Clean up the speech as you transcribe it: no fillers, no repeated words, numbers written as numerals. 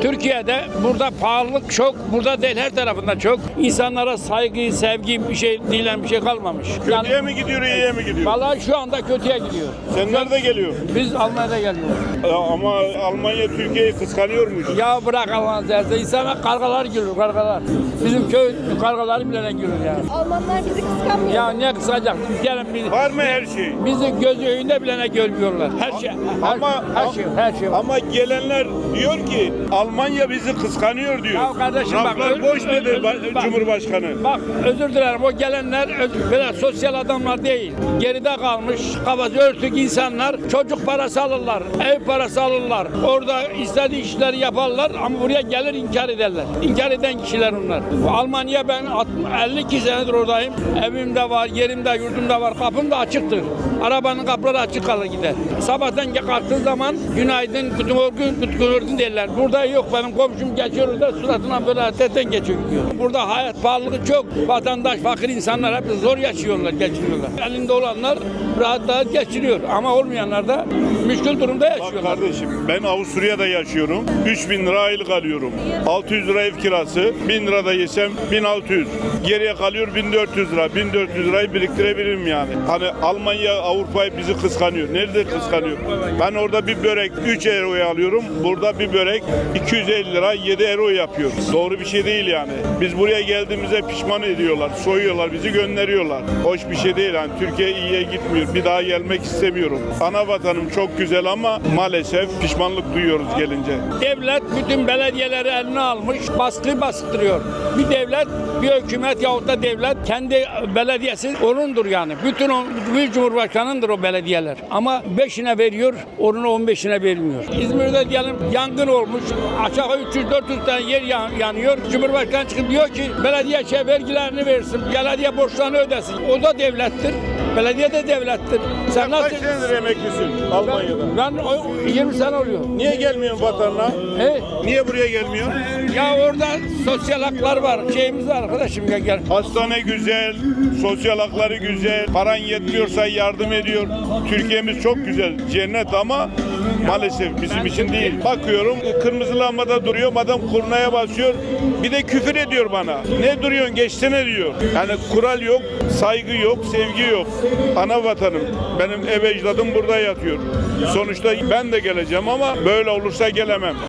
Türkiye'de burada pahalılık çok, burada değil her tarafında çok. İnsanlara saygı, sevgi bir şey denilen bir şey kalmamış. Kötüye mi gidiyor, iyiye mi gidiyor? Vallahi şu anda kötüye gidiyor. Sen nerede geliyor? Biz Almanya'da geliyoruz. Ama Almanya Türkiye'yi kıskanıyormuş. Ya bırak Allah'ın seversen. İnsana kargalar gülür, kargalar. Bizim köy kargaları bile gülür ya. Almanlar bizi kıskanmıyor. Ya ne kısacak? Gelin biz. Var mı her şey? Bizi gözü önünde bile görmüyorlar. Her şey, her şey var. Ama gelenler diyor ki Almanya bizi kıskanıyor diyor. Ya kardeşim bak, Laflar boş dedi bak. Cumhurbaşkanı. Bak özür dilerim, o gelenler böyle sosyal adamlar değil. Geride kalmış kafası örtük insanlar, çocuk parası alırlar, ev parası alırlar. Orada istediği işleri yaparlar ama buraya gelir inkar ederler. İnkar eden kişiler onlar. Almanya, ben 52 senedir oradayım. Evimde var, yerimde, yurdumda var, kapım da açıktır. Arabanın kapıları açık kalır gider. Sabahtan kalktığın zaman günaydın, günaydın derler. Burada yok, benim komşum geçiyor orada suratına böyle tetten geçiyor gidiyor. Burada hayat pahalılığı çok. Vatandaş, fakir insanlar hep zor yaşıyorlar, geçiriyorlar. Elinde olanlar rahat geçiriyor ama olmayanlar da müşkül durumda Bak yaşıyorlar. kardeşim, ben Avusturya'da yaşıyorum. 3.000 lira aylık alıyorum. 600 lira ev kirası. 1000 lira da yesem 1600. Geriye kalıyor 1400 lira. 1400 lirayı biriktirebilirim yani. Hani Almanya, Avrupa'yı bizi kıskanıyor. Nerede kıskanıyor? Ben orada bir börek 3 euroya alıyorum. Burada bir börek 250 lira 7 euro yapıyor. Doğru bir şey değil yani. Biz buraya geldiğimizde pişman ediyorlar. Soyuyorlar, bizi gönderiyorlar. Hoş bir şey değil yani. Türkiye iyiye gitmiyor. Bir daha gelmek istemiyorum. Ana vatanım çok güzel ama maalesef pişmanlık duyuyoruz gelince. Devlet bütün belediyeleri eline almış, baskı bastırıyor. Bir devlet, bir hükümet yahut da devlet kendi belediyesi onundur yani. Bütün bir cumhurbaşkanındır o belediyeler. Ama 5'ine veriyor, onun 15'ine vermiyor. İzmir'de diyelim yangın olmuş, aşağı 300-400 tane yer yanıyor. Cumhurbaşkanı çıkıp diyor ki belediye vergilerini versin, belediye borçlarını ödesin. O da devlettir. Belediye de devlettir. Sen kaç senedir emeklisin Almanya'da? Ben 20 sene oluyor. Niye gelmiyorsun vatanına? Niye buraya gelmiyorsun? Ya orada sosyal haklar var. Şeyimiz var arkadaşım, gel. Hastane güzel, sosyal hakları güzel, paran yetmiyorsa yardım ediyor. Türkiye'miz çok güzel, cennet ama maalesef bizim için değil. Bakıyorum kırmızı lambada duruyor, adam kurnaya basıyor, bir de küfür ediyor bana. Ne duruyorsun, geçsene diyor. Yani kural yok, saygı yok, sevgi yok. Ana vatanım, benim ev ecdadım burada yatıyor. Sonuçta ben de geleceğim ama böyle olursa gelemem.